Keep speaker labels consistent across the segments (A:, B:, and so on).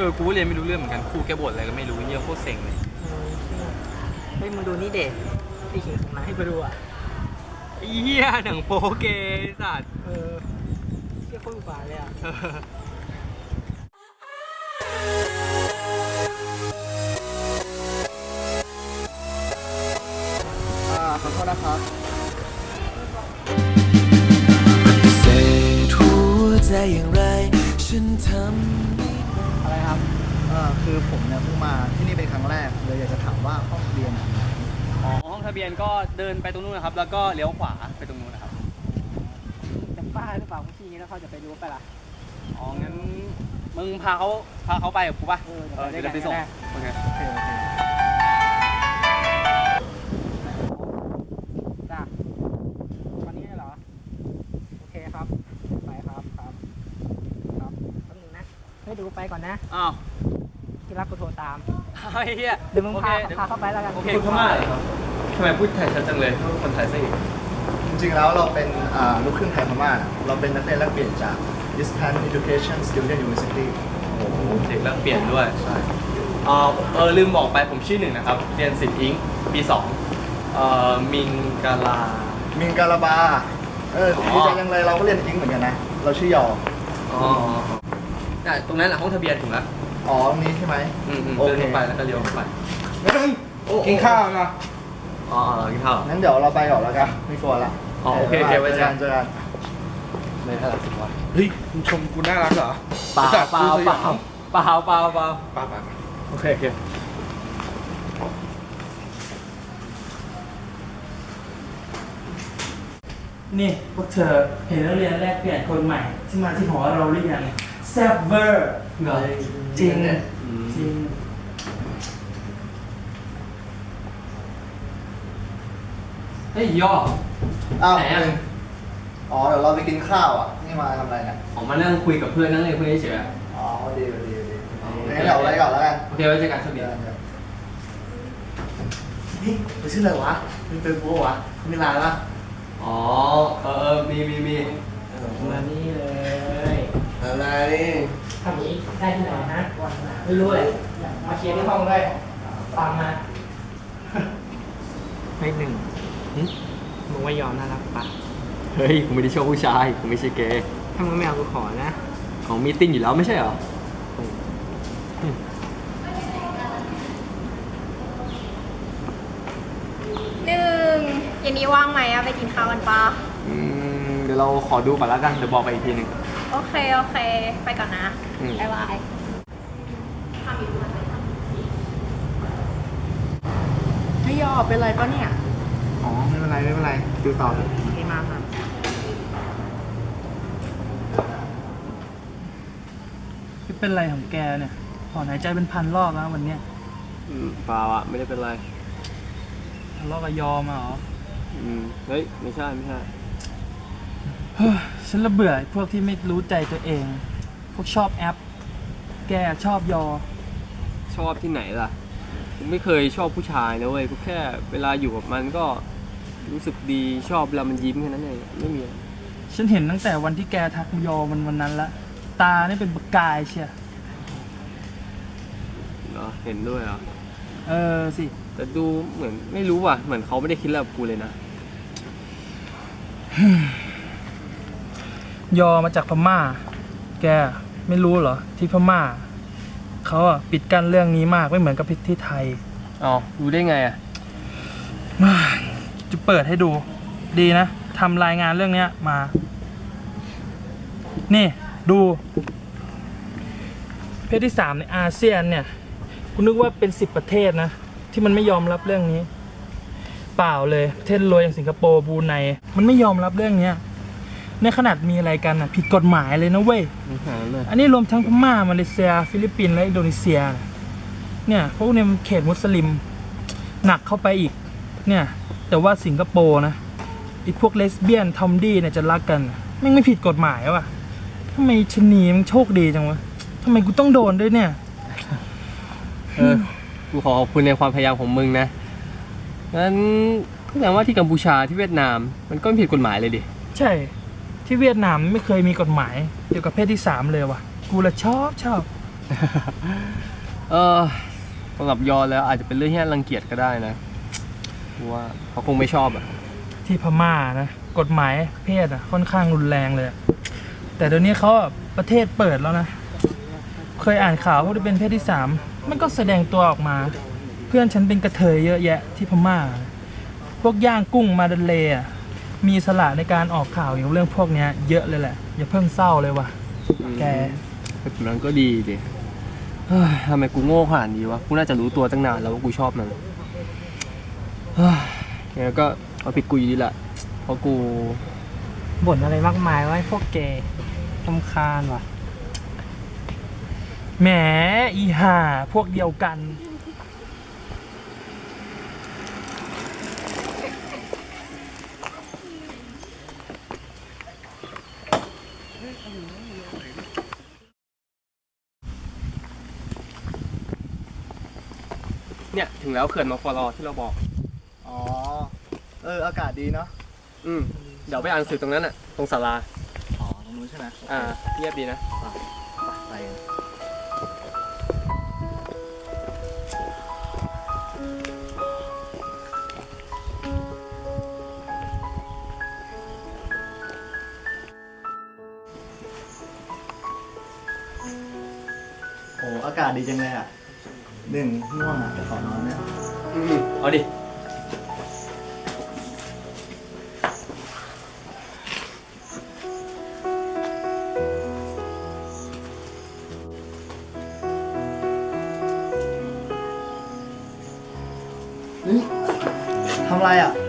A: กูเรียนไม่รู้เรื่องเหมือนกันครูแกบ่นอะไรก็ไม่รู้เยอะโคตรเซ็งเลย
B: เฮ้ยมึงดูนี่เด็กไอ้ขิงส่งมาให้กูดูอ่ะ
A: เหี้ยหนังโป๊เกสัตว์
B: เชี่ยโคตรอุบาทเลยอ่ะ
C: ขอโทษนะครับ
D: เศษหัวใจอย่างไรฉันทำ
C: อะไรครับคือผมเนี่ยเพิ่งมาที่นี่เป็นครั้งแรกเลยอยากจะถามว่าห้องเรียนอยู่ไหน
A: ห้องทะเบียนก็เดินไปตรงนู้นนะครับแล้วก็เลี้ยวขวาไปตรงนู้นนะครับ
B: จะบ้าหรือเปล่าพี่งี้แล้วเขาจะไปรู้ไปล่ะ
A: งั้นมึงพาเขาไปกับกูป่ะเดี๋ยวไปส่งโอเค
B: จ้าวันนี้เหรอโอเคครับไปครับแป๊บนึงนะให้ดูไปก่อนนะที่รักกูโทรตามเดี๋ยวมึงพาเข้าไปแล้วกัน
A: โอเคพูดพม่าเหรอครับทำไมพูดไทยชัดจังเลยคนไทยซะอีก
C: จริงๆแล้วเราเป็นลูกครึ่งไทยพม่าเราเป็นนักเรียนแลกเปลี่ยนจาก Eastern Education Student University
A: โอ้โหเด็กแลกเปลี่ยนด้วยใช่ลืมบอกไปผมชื่อหนึ่งนะครับเรียนศิลป์อิงปี2มิงกา
C: ลาบาดีใจยังเลยเราก็เรียนอิงเหมือนกันนะเราชื่อยอ
A: ตรงนั้นแหละห้องทะเบียนถึงแล้ว
C: ตรงนี้ใช่ไหม
A: โอเคไปแล้วก็เลี้ยวไป
C: กินข้าวนะ
A: กินข้าว
C: งั้นเดี๋ยวเราไปก่อนแล้วกันไม่กลัวละ
A: โอเคไว้เจอกัน
C: ไม่น่ารักสิวะ
E: เฮ้ยมึงชมกูน่ารักเหรอ
A: เปล่าโอเค
B: นี่พวกเธอเห็นนักเรียนแลกเปลี่ยนคนใหม่ที่มาที่หอเราหรือยังแซ่บเวอร์จริง
A: เฮ้ยย่อ
C: ไหนเดี๋ยวเราไปกินข้าวนี่มาทำอะไรเนี่ย
A: มานั่งคุยกับเพื่อนนั่งเล่นเพื่อนเฉย
C: ดีงั้นเดี๋ยวอะไรก่อนแล้วกัน
A: โอเคไว้เจอกันสวัสดี
C: นี่ไปชื่ออะไรวะมีเป็นโบวะมีลายปะ
A: มี
B: มานี่เลย
C: อะไร
B: ทำนี้ได้ที่ไหนฮะไม่รู้เลยมาเคลียร์ที่ห้องด้วยตามมาไม่หนึ่งมึงว่ายอมน่ารักปะ
A: เฮ้ยกูไม่ได้ชอบผู้ชายกูไม่ใช่เกย์
B: ถ้ามึงไม่เอากูขอนะ
A: ของมีติ้งอยู่แล้วไม่ใช่เหรอ
F: 1เย็นนี้ว่างไหมไปกินข้าวกันปะ
A: เดี๋ยวเราขอดูก่อนแล้วกันเดี๋ยวบอกไปอีกทีหนึ่ง
F: โอเคไปก่อนนะบ๊ายบายไม่ยอมเป็นไรปะเนี่ย
C: ไม่เป็นไรดูต่อเลย
F: ไม่มาค่ะ
B: เป็นไรของแกเนี่ยถอนหายใจเป็นพันรอบแล้ววันเนี้ย
A: เปล่าไม่ได้เป็นไร
B: ทะเลาะกับยอมเหรอ
A: เฮ้ยไม่ใช่
B: ฉันระเบื่อพวกที่ไม่รู้ใจตัวเองพวกชอบแอปแกชอบยอ
A: ชอบที่ไหนล่ะกูไม่เคยชอบผู้ชายนะเว้ยกูแค่เวลาอยู่กับมันก็รู้สึกดีชอบเวลามันยิ้มแค่นั้นเองไม่มี
B: ฉันเห็นตั้งแต่วันที่แกทักยอมันวันนั้นละตานี่เป็นประกายเชีย
A: เหรอเห็นด้วยเหรอ
B: สิ
A: แต่ดูเหมือนไม่รู้ว่ะเหมือนเขาไม่ได้คิดอะไรกับกูเลยนะ
B: ยอมาจากพม่าแกไม่รู้เหรอที่พม่าเขาปิดกั้นเรื่องนี้มากไม่เหมือนกับที่ไทย
A: รู้ได้ไง
B: จะเปิดให้ดูดีนะทำรายงานเรื่องนี้มานี่ดูประเทศที่3ในอาเซียนเนี่ยคุณนึกว่าเป็น10ประเทศนะที่มันไม่ยอมรับเรื่องนี้เปล่าเลยประเทศรวยอย่างสิงคโปร์บรูไนมันไม่ยอมรับเรื่องนี้ในขนาดมีอะไรกันผิดกฎหมายเลยนะเว้ยอันนี้รวมทั้งพม่ามาเลเซียฟิลิปปินส์และอินโดนีเซียเนี่ยพวกนี้มันเขตมุสลิมหนักเข้าไปอีกเนี่ยแต่ว่าสิงคโปร์นะไอ้พวกเลสเบี้ยนทอมดี้เนี่ยจะรักกันไม่ผิดกฎหมายวะทำไมชนีมันโชคดีจังวะทำไมกูต้องโดนด้วยเนี่ย
A: กูขอขอบคุณในความพยายามของมึงนะงั้นก็แสดงว่าที่กัมพูชาที่เวียดนามมันก็ไม่ผิดกฎหมายเลยดิ
B: ใช่ที่เวียดนามไม่เคยมีกฎหมายเกี่ยวกับเพศที่3เลยว่ะกูละชอบ
A: สำหรับยอแล้วอาจจะเป็นเรื่องที่น่ารังเกียจก็ได้นะเพราะว่าเขาคงไม่ชอบอ่ะ
B: ที่พม่านะกฎหมายเพศอ่ะค่อนข้างรุนแรงเลยอะแต่เดี๋ยวนี้เขาอะประเทศเปิดแล้วนะ เคยอ่านข่าวว่าที่เป็นเพศที่3มันก็แสดงตัวออกมา เพื่อนฉันเป็นกระเทยเยอะแยะที่พม่า พวกย่างกุ้งมาดันเลอะมีอิสละในการออกข่าวเกี่ยวกับเรื่องพวกเนี้ยเยอะเลยแหละ อย่าเพิ่งเศร้าเลยว่ะแก
A: แบบนั้นก็ดีดิเฮ้ยทำไมกูโง่ขนาดนี้วะ กูน่าจะรู้ตัวตั้งนานแล้วว่ากูชอบมันเฮ้ยยังไงก็เอาผิดกูอยู่ดีแหละ เพราะกู
G: บ่นอะไรมากมายว่าพวกเกย์รำคาญว่ะ
B: แหมอีห่าพวกเดียวกัน
A: เนี่ย ถึงแล้วเขื่อนมอฟลอที่เราบอก
C: อ๋อ อากาศดีเนาะ
A: เดี๋ยวไปอ่านหนังสือตรงนั้นอ่ะ ตรงศาลา
C: อ๋อ ตรงนู้นใช่ไหม
A: เงียบดีนะ
C: ไปกันโอ้อากาศดีจังเลยอ่ะง่วงอ่ะจะขอนอนเนี่ย
A: เอาดิ
C: ทำไรอ่ะ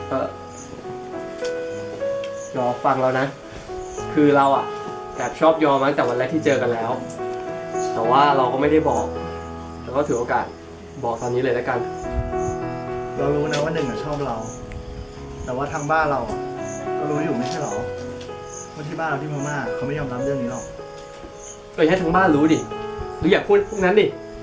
A: ยอฟังเรานะ คือเราอ่ะแอบชอบยอมาตั้งแต่วันแรกที่เจอกันแล้ว แต่ว่าเราก็ไม่ได้บอก แล้วก็ถือโอกาสบอกตอนนี้เลยแล้วกัน
C: เรารู้นะว่าหนึ่งอ่ะชอบเรา แต่ว่าทางบ้านเราอ่ะก็รู้อยู่ไม่ใช่หรอว่าที่บ้านเราที่พม่าเขาไม่ยอมรับเรื่องนี้หรอก
A: ก็อย่าให้ทั้งบ้านรู้ดิ หรืออยากพูดพวกนั้นดิ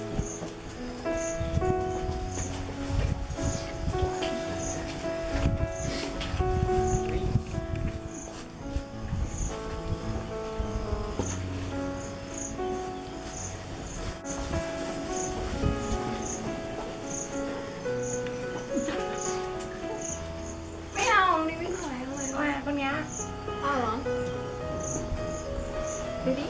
F: ไม่เอานี่ไม่สวยเลยว่าคนเนี้ยเอาเหรอ ดูดิ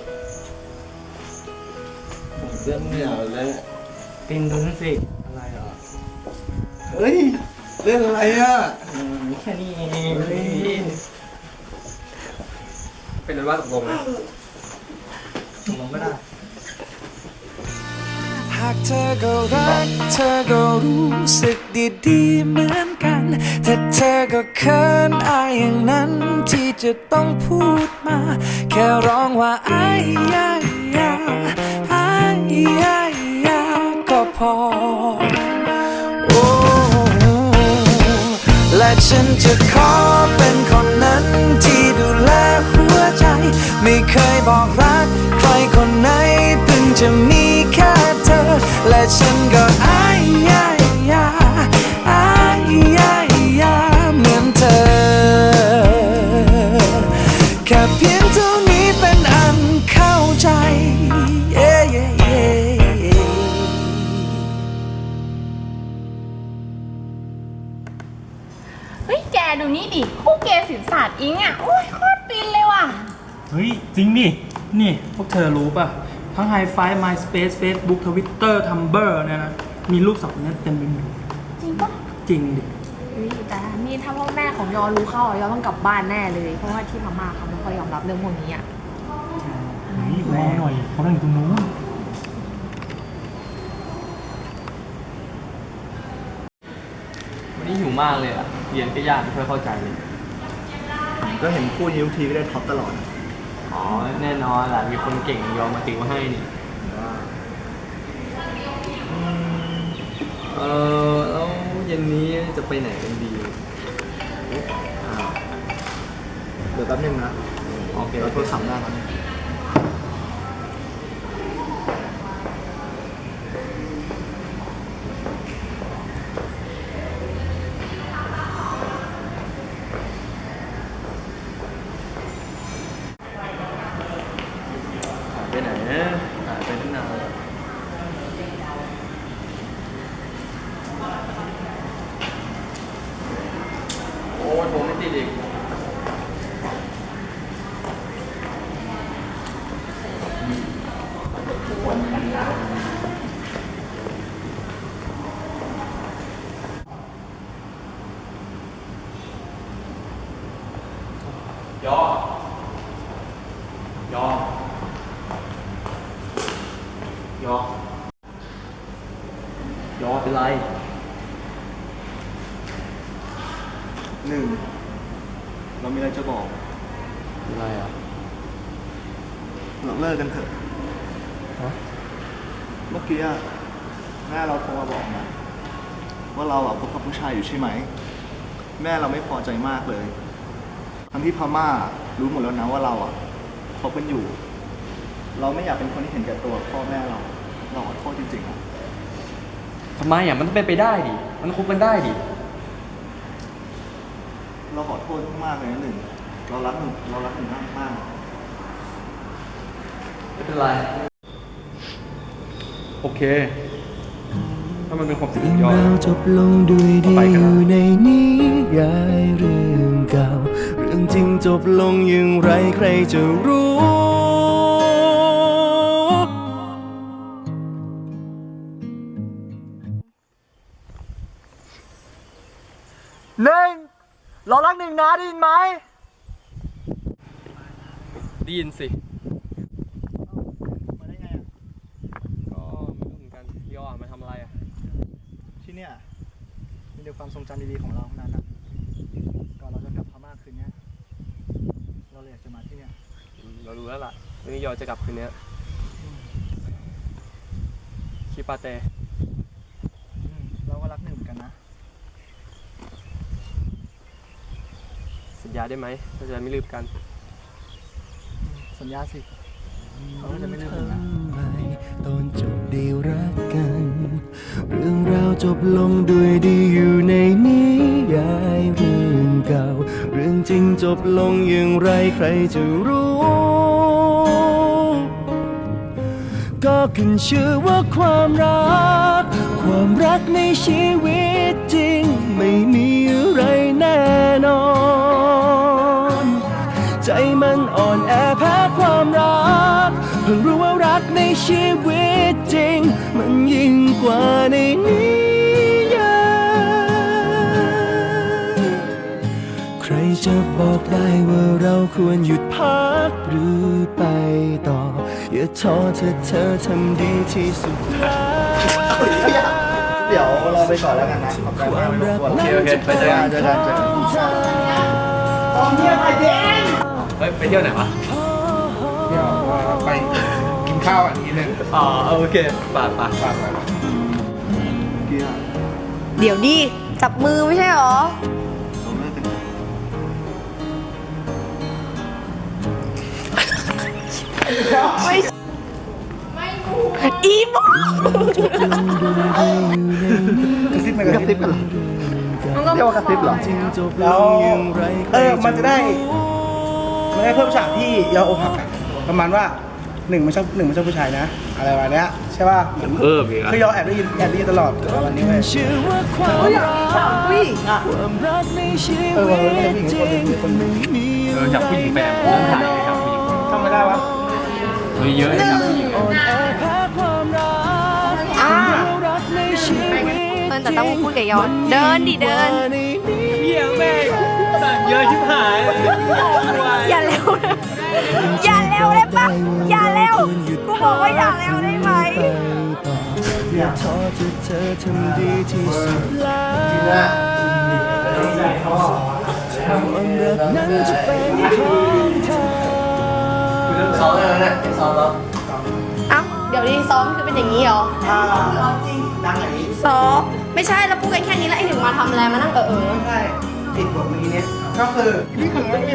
C: เรื่องไม่เอาเลย
G: ตินดูนั่นสิ
C: อะไรอ่ะเฮ้ยเรื่องอะไรอ่ะ
G: แค่นี้เอง
A: เป็นนั้นว่าตกลงนะ
C: เราก็ได้
D: หากเธอก็รักเธอก็รู้สึกดีๆเหมือนกันแต่เธอก็เขินอายอย่างนั้นที่จะต้องพูดมา แค่ร้องว่าอายยายาอายยายาก็พอโอ้และฉันจะขอเป็นคนนั้นที่ดูแลหัวใจ ไม่เคยบอกรักใครคนไหนเพิ่งจะมีแค่เธอ และฉันก็อายยายาอายยายาเหมือนเธอ แค่เพียงเท่านี้เป็นอันเข้าใจ
F: เฮ้ย แกดูนี่ดิ คู่เกย์สินศาสตร์อิงอ่ะ โอ้ยโคตรฟินเลยว่ะ
B: เฮ้ย จริงดิ นี่ พวกเธอรู้ป่ะ ทั้ง Hi-Fi MySpace Facebook Twitter Tumblr เนี่ยนะ มีรูปสองคนนั้นเต็มไปหมด
F: จริงปะ
B: จริงดิ
H: แต่นี่ถ้าพ่อแม่ของยอรู้เข้าอ่ะยอต้องกลับบ้านแน่เลย เพราะว่าที่พม่าเขาไม่ค่อยยอมรับเรื่องพวกนี้อ่ะ
B: รอหน่อยเขานั่งอยู่ตรงนู้น
A: วันนี้หิวมากเลยอ่ะ เรียนก็ยากไม่ค่อยเข้าใจเลย
C: ก็เห็นคู่นี้ทุกทีก็ได้ท็อปตลอด
A: อ๋อ แน่นอนแหละมีคนเก่งยอมมาติวให้นี่ แล้วเย็นนี้จะไปไหนกันดี
C: เดี๋ยวแป๊บนึงนะ
A: โอเค
C: เราโทรศัพท์ได้ครับ
A: หายไปไหนนะหายไปตั้งนานอีกยอยอยอยอเป็นไร
C: หนึ่ง เรามีอะไรจะบอก
A: เป็นไรอ่ะ
C: เราเลิกกันเถอะ
A: ฮะ
C: เมื่อกี้อะแม่เราโทรมาบอกนะว่าเราอะคบกับผู้ชายอยู่ใช่ไหม แม่เราไม่พอใจมากเลย ทั้งที่พม่ารู้หมดแล้วนะว่าเราอะคบกันอยู่ เราไม่อยากเป็นคนที่เห็นแก่ตัวพ่อแม่เราขอโทษจริงๆอะ
A: ทำไมอ่ะมันเป็นไปได้ดิ มันคบกันได้ดิ
C: เราขอโทษมากเลยนะหนึ่ง เรารักหนึ่งมากมาก
A: ไม่เป็นไร โอเค ถ้ามันเป็นความสุขของยอด
D: เราจบลงด้วยดี
A: ไปกัน
D: อ
A: นะ
D: ยู่ในนิยายเรื่องเก่า เรื่องจริงจบลงอย่างไรใครจะรู้
C: หนึ่ง เรารักหนึ่งนะได้ยินไหม
A: ได้ยินสิ
C: มาได้ไงอะ
A: ก็ไม่รู้เหมือนกันยอดมาทำอะไรอ่ะ
C: ที่เนี่ยมีแต่ความทรงจำดีๆของเราทั้งนั้นอะก่อนเราจะกลับพม่าคืนเนี้ยเราเลยอยากจะมาที่เนี่ย
A: เรารู้แล้วล่ะวันนี้ยอดจะกลับคืนนี้คิปาเต
C: เราก็รักหนึ่งเหมือนกันนะ
A: สัญญาได้ไหมเราจะไม่ลืมกัน
C: สัญญาสิเราก็จะไม่ลืมกันนะ
D: ทำไมตอนจบได้รักกัน เรื่องราวจบลงด้วยดีอยู่ในนิยายเรื่องเก่า เรื่องจริงจบลงอย่างไรใครจะรู้ ก็ขึ้นชื่อว่าความรักในชีวิตจริง ไม่มีอะไรแน่นอน ใจมันอ่อนแอแพ้ความรัก เพิ่งรู้ว่ารักในชีวิตจริง มันยิ่งกว่าในนิยายใครจะบอกได้ว่าเราควรหยุดพักหรือไปต่อ อย่าท้อเธอทำดีที่สุดแล้ว
C: เดี๋ยวเราไปก่อนแล้วกันนะขอบใจมากเลยทุกคน
A: โอเคไปเจอกัน
C: เจอกัน
A: เฮ้ย ไปเที่ยวไหนวะ
E: เดี๋ยวไปกินข้าวอันนี้หนึ่ง
A: อ๋อ โอเคป่า
E: ฝากไว้
C: เกียร์
H: เดี๋ยวดิจับมือไม่ใช่หรอ
C: เราเลิกกันเถอะ
H: อีโม
E: กระซิบไหมกระซิบกัน
C: เรียกว่ากระซิบเหรอ
E: แล้วมันจะได้เพิ่มฉากที่ยออกหักอะประมาณว่าหนึ่งไม่ชอบผู้ชายนะ อะไรประมาณเนี้ยใช่ป่ะ
A: เพิ่มอีกอ่ะ
E: คือยอแอบได้ยินตลอดวันนี้เว้ย
D: ชื่อว่าความรักในชีวิตจริงไม่มี
A: อยากผู้หญิงแบบเรื่องถ่ายเลยครับผู้หญิง
E: ทำไม่ได้วะ
A: เฮ้ยเยอะเลยครับผู้หญิง
D: อ่อนแอแพ้ความรักในชีวิต
H: แต่ต้องพูดกับยอนเดินดิเดิน
A: เยี่ยแม่สั่งเยอะชิบหาย
H: อย่าเร็วนะอย่าเร็วได้ปะอย่าเร็วกูบอกว่าอย่าเร็วได้ไหม
D: อย่าท้อเธอทำดีที่สุดแล้วความรักนั้นจะเป็นของเธอ
A: ซ้อมแล้วนะซ้อมแล้ว
H: เอ้าเดี๋ยวนี้ซ้อมคือเป็นอย่างนี้เหรอ
E: ดังอย่างนี้
H: ซ้อมไม่ใช่แล้วพูดกันแค่นี้แล้วไอ้หนึ่งมาทำอะไรมานั่ง
E: ไม่ใช่ติดบทเมื่อกี้เนี่ยก็คือนี่คือไม่มี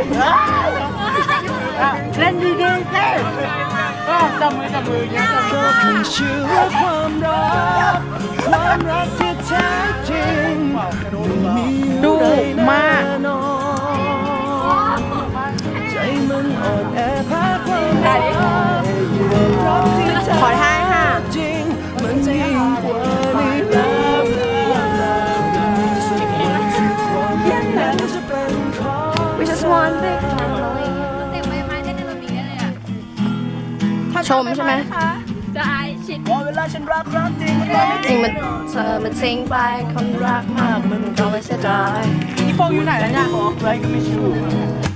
H: เล่นดีๆสิ
B: จับมืออย่างเงี้ยจับมือ
D: ขึ้นชื่อว่าความรักที่แท้จริงไม่มีอะไรแน่นอนใจมันอ่อนแอแพ้ความรักรักที่แท้
H: ขอท่าค่ะ
D: จริงมันยิ่งกว่านี้แล้วมีสักวันที่ความรักนั้นจะเป็นของ
H: ชมใช่ไหม
F: ได้ชิด
E: เวลาฉันรักจริง
H: จริงมันเธอมันทิ้งไปคนรักมากมึงก็ไม่เสียดาย
E: นี่โฟอยู่ไหนแล้วเนี่ยไรก็ไม่ชู